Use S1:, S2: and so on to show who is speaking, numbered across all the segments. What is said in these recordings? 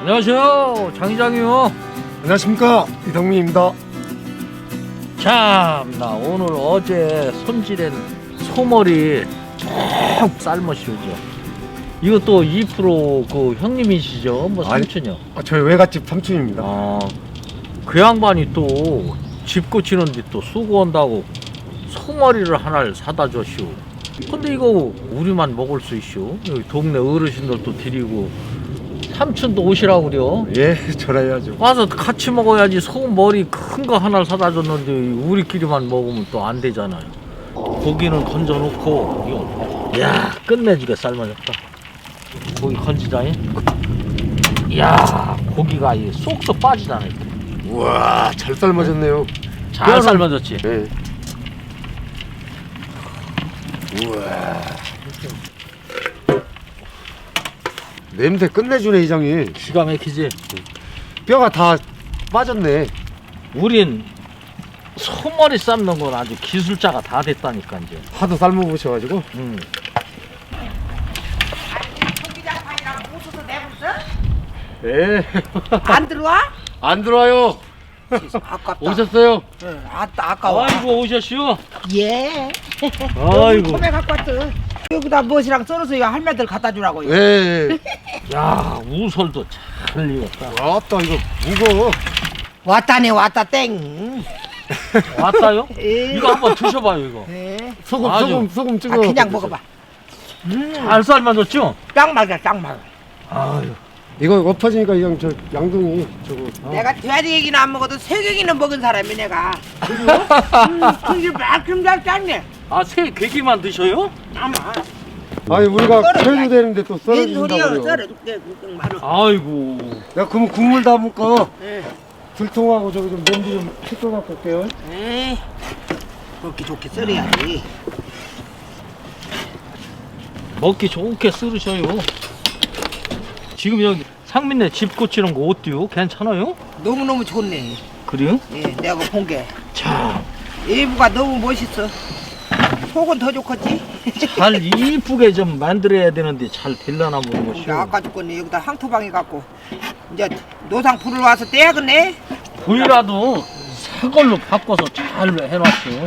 S1: 안녕하세요, 장 이장이요.
S2: 안녕하십니까, 이덕민입니다.
S1: 참나 오늘 어제 손질한 소머리 쭉 삶으시오죠. 이거 또 2%그 형님이시죠? 뭐
S2: 아니,
S1: 삼촌이요?
S2: 저희 외갓집 삼촌입니다.
S1: 그 양반이 또 집 고치는데 또 수고한다고 소머리를 하나를 사다 줬시오. 근데 이거 우리만 먹을 수 있시오. 여기 동네 어르신들도 드리고 삼촌도 오시라고 그래요.
S2: 예, 전화해야죠.
S1: 와서 같이 먹어야지. 소머리 큰 거 하나를 사다 줬는데 우리끼리만 먹으면 또 안 되잖아요. 고기는 건져 놓고 이야 끝내주게 삶아졌다. 고기 건지자잉. 이야 고기가 쏙쏙 빠지잖아요.
S2: 우와, 잘 삶아졌네요.
S1: 잘 삶아졌지.
S2: 네. 우와. 냄새 끝내주네, 이장님.
S1: 기가 막히지.
S2: 뼈가 다 빠졌네.
S1: 우린 소머리 삶는 건 아주 기술자가 다 됐다니까 이제.
S2: 하도 삶아보셔가지고.
S3: 총기장판이랑 웃어서 내불어?
S2: 예.
S3: 안 들어와?
S2: 안 들어와요.
S3: 아깝다.
S2: 오셨어요?
S3: 응, 아까워.
S1: 아이고 오셨시오.
S3: 예.
S1: 아이고.
S3: 처음에 갖고 왔어. 여기다 무엇이랑 썰어서 할매들 갖다 주라고요.
S2: 예.
S1: 야 우설도 잘 익었다.
S2: 왔다, 이거 무거워.
S3: 왔다네 왔다 땡.
S1: 왔다요?
S3: 예.
S1: 이거 한번 드셔봐요 이거.
S3: 예.
S2: 소금 찍어.
S3: 그냥 먹어봐.
S1: 잘 삶아졌죠?
S3: 딱 맞아 딱 맞아.
S1: 아유.
S2: 이거 엎어지니까 이형 저 양동이 저거.
S3: 내가 돼지 얘기는 안 먹어도 새개기는 먹은 사람이 내가. 그게 막좀 잘 짰네.
S1: 새 괴기만 드셔요?
S3: 아마.
S2: 아니 우리가
S3: 썰어야지.
S2: 썰도 되는데 또
S3: 웬
S2: 썰어준다고
S3: 소리야
S2: 그래요.
S3: 썰어줄게 그 말을.
S1: 아이고.
S2: 내가 그러면 국물 담을 거
S3: 예.
S2: 불통하고 저기 좀 냄비 좀 씻고 갖고 올게요.
S3: 에이, 먹기 좋게 썰어야지.
S1: 먹기 좋게 썰으셔요. 지금 여기 상민네 집 고치는 거 어때요? 괜찮아요?
S3: 너무너무 좋네.
S1: 그래요?
S3: 예, 내가 본 게.
S1: 참.
S3: 일부가 너무 멋있어. 속은 더 좋겠지?
S1: 잘 이쁘게 좀 만들어야 되는데 잘 될라나
S3: 이제
S1: 모르겠어요.
S3: 아까 죽겠네. 여기다 항토방에 갖고. 이제 노상 불을 와서 떼야겠네?
S1: 부위라도 새 걸로 바꿔서 잘 해놨어요.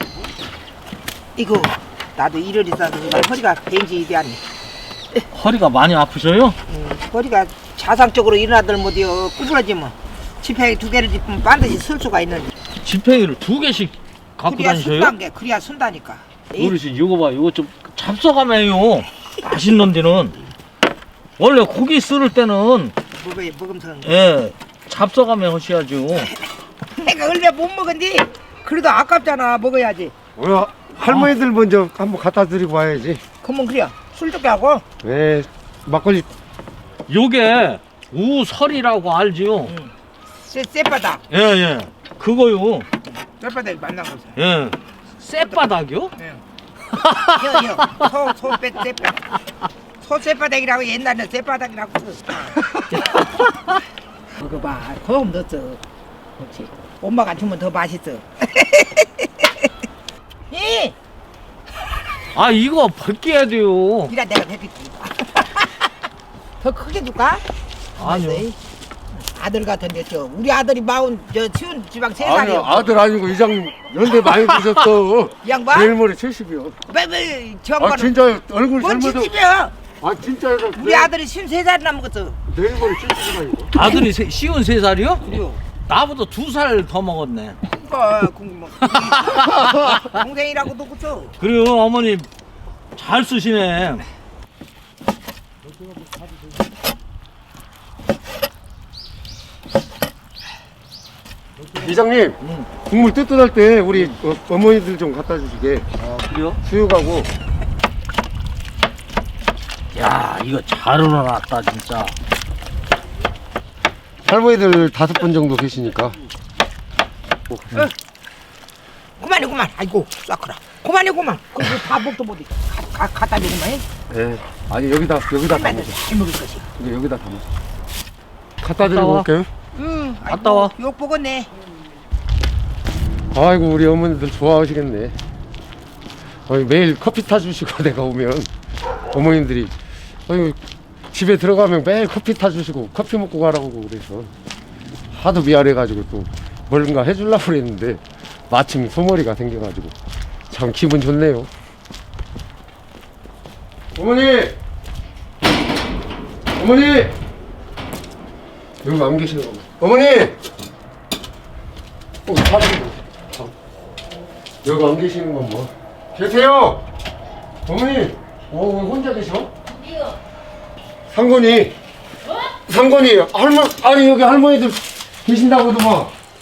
S3: 이거, 나도 일을 있어서 그냥 허리가 벤지 되었네.
S1: 허리가 많이 아프셔요?
S3: 허리가 자상적으로 일어나들 못이요. 구부러지면. 지팡이 2개를 짚으면 반드시 쓸 수가 있는데.
S1: 지팡이를 2개씩 갖고
S3: 그래야
S1: 다니셔요?
S3: 쓴다는 게, 그래야 쓴다니까.
S1: 어르신 이거 봐, 이거 좀 잡숴가면요. 맛있는 데는 원래 고기 썰을 때는
S3: 먹으면서.
S1: 잡숴가면 하셔야죠.
S3: 내가 얼마 못 먹은디 그래도 아깝잖아. 먹어야지.
S2: 우리 할머니들 먼저 한번 갖다 드리고 와야지.
S3: 그러면 그래. 술 좋게 하고.
S2: 네, 막걸리.
S1: 요게 우설이라고 알지요?
S3: 쌔바닥.
S1: 예. 그거요.
S3: 쌔바닥 만난 거죠.
S1: 예. 쌔바닥이요?
S3: 소 쌔바닥. 소 쌔바닥이라고 옛날에 쌔바닥이라고 써. 이거 봐. 소금 넣었어. 그렇지. 엄마가 주면 더 맛있어. 이!
S1: 아 이거 벗겨야 돼요.
S3: 이라 내가 배필 더 크게 줄까?
S1: 아니요.
S3: 아들 같은데 우리 아들이 치운 지방 3살이요.
S2: 아니요, 아들 아니고 이장 연대 많이 드셨어.
S3: 이 양반?
S2: 내일 모레 70이요.
S3: 왜저
S2: 아
S3: 양반은
S2: 진짜 얼굴
S3: 뭔
S2: 젊어서.
S3: 짓이야?
S2: 아 진짜요.
S3: 우리 아들이 53살이나 먹었어.
S2: 내일 모레 70이가 이거.
S1: 아들이 53살이요?
S3: 그래요.
S1: 나보다 2살 더 먹었네.
S3: 그러니까 동생이라고도 그쵸?
S1: 그래요 어머님 잘 쓰시네.
S2: 이장님, 국물 뜨뜻할 때 우리 어머니들 좀 갖다 주시게.
S1: 그래요?
S2: 수육하고.
S1: 야 이거 잘 우러났다 진짜.
S2: 할머니들 5분 정도 계시니까.
S3: 그만. 아이고 싹크라. 그만. 그리고 다 먹도 못해. 갖다 주고만 해.
S2: 예. 아니 여기다
S3: 할매들
S2: 담으세요.
S3: 잘 먹을 것이.
S2: 이거 여기다 담으세요. 갖다 드리고
S1: 와.
S2: 올게요.
S1: 갔다 와.
S3: 욕 먹었네.
S2: 아이고 우리 어머니들 좋아하시겠네. 매일 커피 타주시고 내가 오면 어머님들이 아유 집에 들어가면 매일 커피 타주시고 커피 먹고 가라고 그래서 하도 미안해가지고 또 뭔가 해주려고 그랬는데 마침 소머리가 생겨가지고 참 기분 좋네요. 어머니! 어머니! 여기 안 계시는 거 어머니! 여기 안 계시는 건 뭐? 계세요! 어머니! 왜 혼자 계셔? 상건이 상건이 아니 여기 할머니들 계신다고도만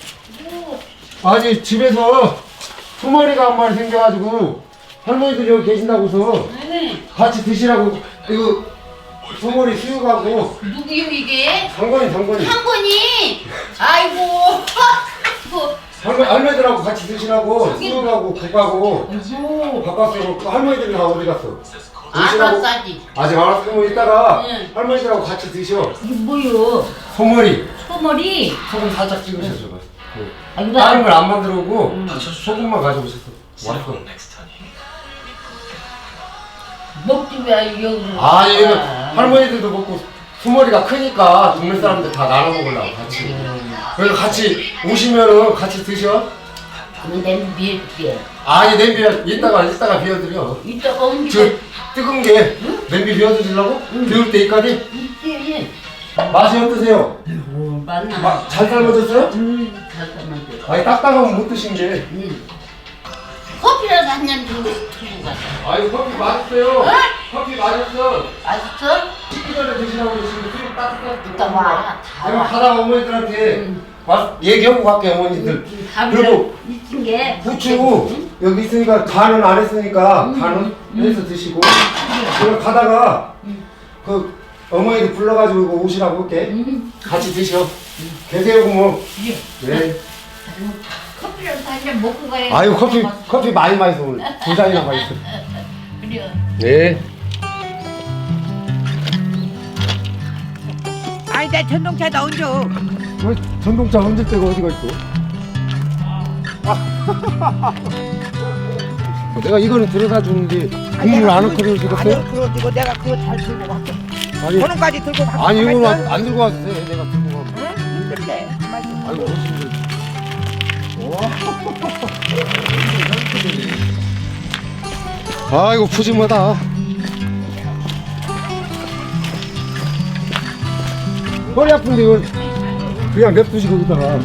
S2: 아니 집에서 소머리가 한 마리 생겨가지고 할머니들 여기 계신다고서 같이 드시라고 이거 소머리 수육하고
S4: 누구요 이게?
S2: 상건이
S4: 한건이? 아이고.
S2: 할머니들하고 같이 드시라고 수육하고 국하고
S4: 아이고.
S2: 바꿨어. 할머니들이 다 어디 갔어?
S4: 알았싸지.
S2: 아직 안 왔으면 이따가
S4: 응.
S2: 할머니들하고 같이 드셔.
S4: 이게 뭐요?
S2: 소머리
S4: 소머리?
S2: 소금 살짝 찍으셨어.
S4: 아이고
S2: 다른 걸 안 만들어 오고 소금만 가져오셨어. 왔어.
S4: 먹지 왜 여기?
S2: 아니 이거 할머니들도 먹고 소머리가 크니까 동네 사람들 다 나눠 먹으려고 같이. 그래서 같이 오시면은 같이 드셔.
S4: 그럼 냄비 비울게.
S2: 아니 냄비에 이따가 비워드려.
S4: 이따가 옮기.
S2: 저 뜨거운 게 냄비 비워드리려고? 비울 때까지?
S4: 있지.
S2: 맛이 어떠세요?
S4: 맞나?
S2: 잘 삶아졌어요?
S4: 잠깐만.
S2: 아니 딱딱하면 못 드신 게.
S4: 커피라도 한 잔 들고 가자.
S2: 아유 커피 맛있어요.
S4: 어?
S2: 커피 맛있어.
S4: 맛있어?
S2: 식기 전에 드시라고 그러시면 술 따뜻하게
S4: 이따 와. 다
S2: 내가
S4: 와.
S2: 가다가 어머니들한테 얘기하고 갈게 어머니들.
S4: 밥을
S2: 그리고
S4: 있은 게.
S2: 부추 여기 있으니까 간은 안 했으니까 간은 해서 드시고 그리고 가다가 그 어머니들 불러가지고 이거 오시라고 할게. 같이 드셔. 계세요 뭐. 네.
S4: 커피라도 한 잔 먹고 가야.
S2: 아유 커피 많이 마셔 오늘 두 잔이나 마셨어.
S4: 그래.
S2: 네.
S3: 아니 내 전동차다 얹어.
S2: 왜 전동차 얹을 데가 어디가 있어? 내가 이거는 들여다 주는데 국물 안 끓여 주겠어요?
S3: 아니 그거 이거 내가 그거 잘 들고 갈게.
S2: 아니
S3: 번호까지 들고 갈게.
S2: 아니 이거는 안 들고 왔어. 내가 들고 가.
S3: 응? 힘들대.
S2: 아이고 어르신들. 아이고 푸짐하다. 허리 아픈데 이걸 그냥 냅두시고 있다가.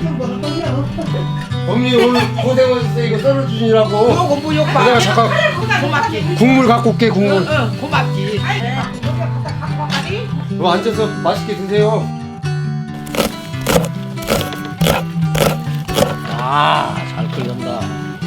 S2: 언니 오늘 고생하셨어요. 이거 썰어주시라고.
S3: 요거 무욕 봐.
S2: 내가 잠깐
S3: 고맙지.
S2: 국물 갖고 올게 국물.
S3: 응 고맙지.
S2: 너 앉아서 맛있게 드세요.
S1: 잘 끓는다.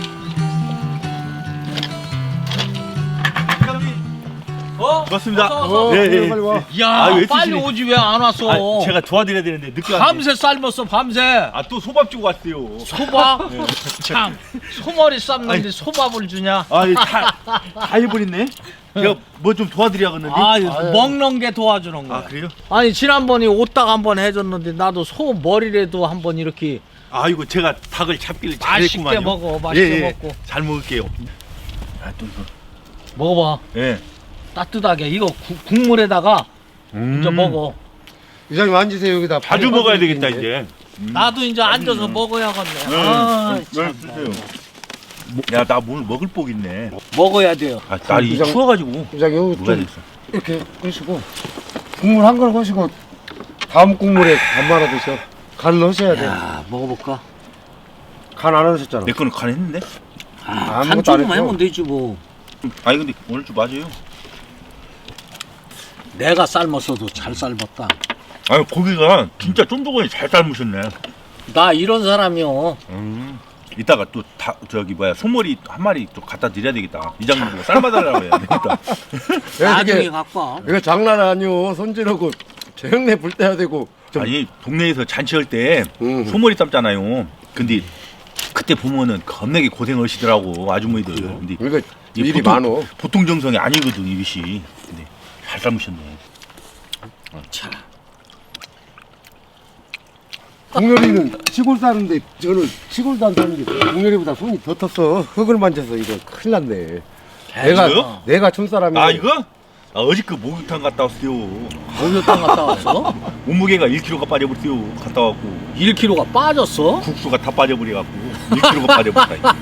S1: 어?
S5: 맞습니다.
S2: 네, 빨리 와.
S1: 야,
S5: 아, 왜
S1: 빨리
S5: 드시니?
S1: 오지 왜 안 왔어?
S5: 아, 제가 도와드려야 되는데 늦게 왔네.
S1: 밤새 삶았어, 밤새.
S5: 아, 또 소밥 주고 왔어요.
S1: 소밥? 참, 소머리 삶는데
S5: 아니.
S1: 소밥을 주냐?
S5: 아, 다 해버렸네. 제가 뭐 좀 도와드려야겠는데.
S1: 아, 먹는 게 도와주는 거야.
S5: 아, 그래요?
S1: 아니, 지난번에 오딱 한번 해줬는데 나도 소 머리라도 한번 이렇게
S5: 아, 이거 제가 닭을 잡기를
S1: 맛있게
S5: 잘했구만요.
S1: 먹어, 맛있게
S5: 예, 예.
S1: 먹고.
S5: 잘 먹을게요. 아, 또 이거.
S1: 먹어봐.
S5: 예.
S1: 따뜻하게. 이거 국물에다가 이제 먹어.
S2: 이장님 앉으세요 여기다.
S5: 자주 먹어야 되겠다 이제.
S1: 나도 이제 앉아서 먹어야겠네. 아, 참.
S5: 드세요. 야, 나 오늘 먹을 복 있네.
S1: 먹어야 돼요.
S5: 아, 날이
S2: 이장-
S5: 추워가지고
S2: 이장님 여기
S5: 먹어야
S2: 좀
S5: 되겠어.
S2: 이렇게 하시고 국물 한 그릇 하시고 다음 국물에 간 말아 드셔. 간 넣으셔야 돼.
S1: 야, 먹어볼까?
S2: 간 안 하셨잖아.
S5: 내 거는 간 했는데?
S2: 아무것도
S1: 간
S2: 안
S1: 조금만
S2: 했어.
S1: 하면 되지 뭐.
S5: 아니 근데 오늘 좀 맞아요.
S1: 내가 삶았어도 잘 삶았다.
S5: 아니 고기가 진짜 쫀득하니 잘 삶으셨네.
S1: 나 이런 사람이요.
S5: 이따가 또 저기 뭐야 소머리 한 마리 또 갖다 드려야 되겠다. 이장님 보고 삶아달라고 해야 되겠다.
S1: 나중에 갖고 와.
S2: 이거 장난 아니오. 손질하고 저 형네 불 떼야 되고.
S5: 아니 동네에서 잔치할 때 소머리 삶잖아요. 근데 그때 보면은 겁나게 고생하시더라고 아주머니들. 근데
S2: 이거
S5: 이게
S2: 일이 많어.
S5: 보통 정성이 아니거든 이것이. 근데 잘 삶으셨네.
S1: 자,
S2: 동열이는 시골 사는데 저는 시골도 안 사는 게 동열이보다 손이 더 텄어. 흙을 만져서 이거 큰일 났네.
S5: 이거요?
S2: 내가 촌사람이
S5: 아 이거? 어저께 그 목욕탕 갔다 왔어요.
S1: 목욕탕 갔다 왔어?
S5: 몸무게가 1kg가 빠져버렸어요. 갔다 왔고
S1: 1kg가 빠졌어?
S5: 국수가 다 빠져버려갖고 1kg가 빠져버렸다.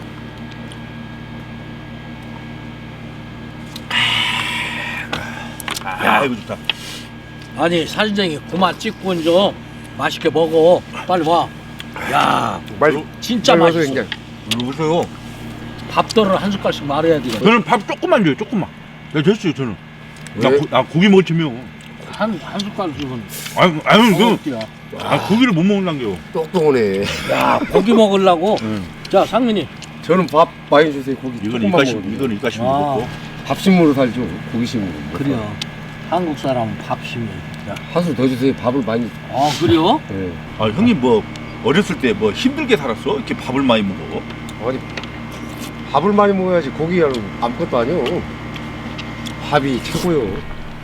S5: 야 이거 좋다.
S1: 아니 사진쟁이 그만 찍고 이제 맛있게 먹어. 빨리 와. 야 진짜 맛있어.
S5: 이리 오세요.
S1: 밥도를 한 숟갈씩 말해야 돼.
S5: 저는 밥 조금만 줘요. 조금만. 네 됐어요 저는.
S2: 왜?
S5: 나 고기 먹을 쯤이요.
S1: 한 숟갈 주면
S5: 아유
S1: 어때요?
S5: 고기를 못 먹는다고요.
S2: 똑똑하네.
S1: 야 고기 먹으려고.
S5: 응.
S1: 자 상민이
S2: 저는 밥 많이 주세요. 고기
S5: 이거는 이거는 이까시 먹고.
S2: 밥심으로 살죠. 고기심으로.
S1: 그래요. 한국 사람은 밥심이.
S2: 한술 더 주세요. 밥을 많이.
S1: 아 그래요?
S2: 네.
S5: 아 형님 뭐 어렸을 때 뭐 힘들게 살았어? 이렇게 밥을 많이 먹어?
S2: 아니 밥을 많이 먹어야지 고기는 아무것도 아니요. 밥이 최고요.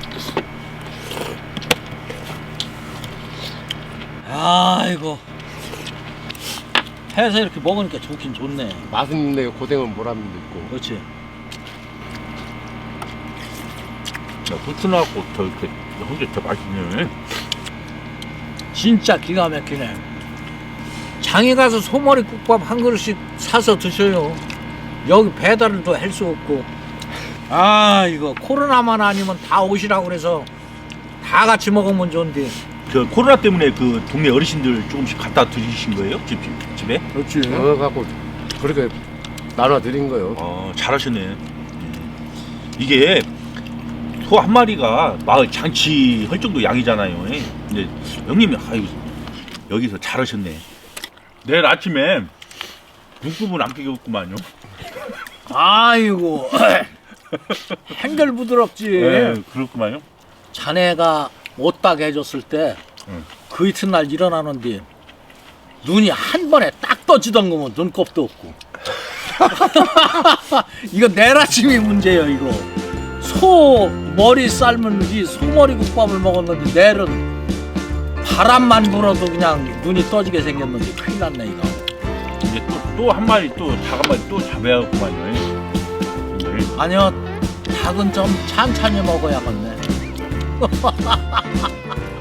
S1: 아이고 해서 이렇게 먹으니까 좋긴 좋네.
S2: 맛은 있는데 고생은 보람도 있고.
S1: 그렇지.
S5: 야 후추 나갖고 저 이렇게 혼자 더 맛있네.
S1: 진짜 기가 막히네. 장에 가서 소머리 국밥 한 그릇씩 사서 드셔요. 여기 배달을 또 할 수 없고. 아 이거 코로나만 아니면 다 오시라고 그래서 다 같이 먹으면 좋은데.
S5: 저 코로나 때문에 그 동네 어르신들 조금씩 갖다 드리신 거예요? 집에?
S1: 그렇지.
S2: 갖고 그렇게 나눠 드린 거요.
S5: 잘하셨네. 이게 소 한 마리가 마을 잔치 할 정도 양이잖아요. 근데 형님이 아유 여기서 잘하셨네. 내일 아침에 묵국은 안 끼겠구만요.
S1: 아이고 한결 부드럽지.
S5: 네, 그렇구만요.
S1: 자네가 옷딱 해줬을 때 그
S5: 응.
S1: 이튿날 일어나는데 눈이 한 번에 딱 떠지던 거면 눈곱도 없고. 이거 내일 아침이 문제예요 이거. 소 머리 삶은 이 소머리 국밥을 먹었는데 내일은 바람만 불어도 그냥 눈이 떠지게 생겼는데 큰일 났네 이거.
S5: 이제 또 한 마리 또 닭 한 마리 또 잡아야겠구만요. 네.
S1: 아니요 닭은 좀 천천히 먹어야겠네.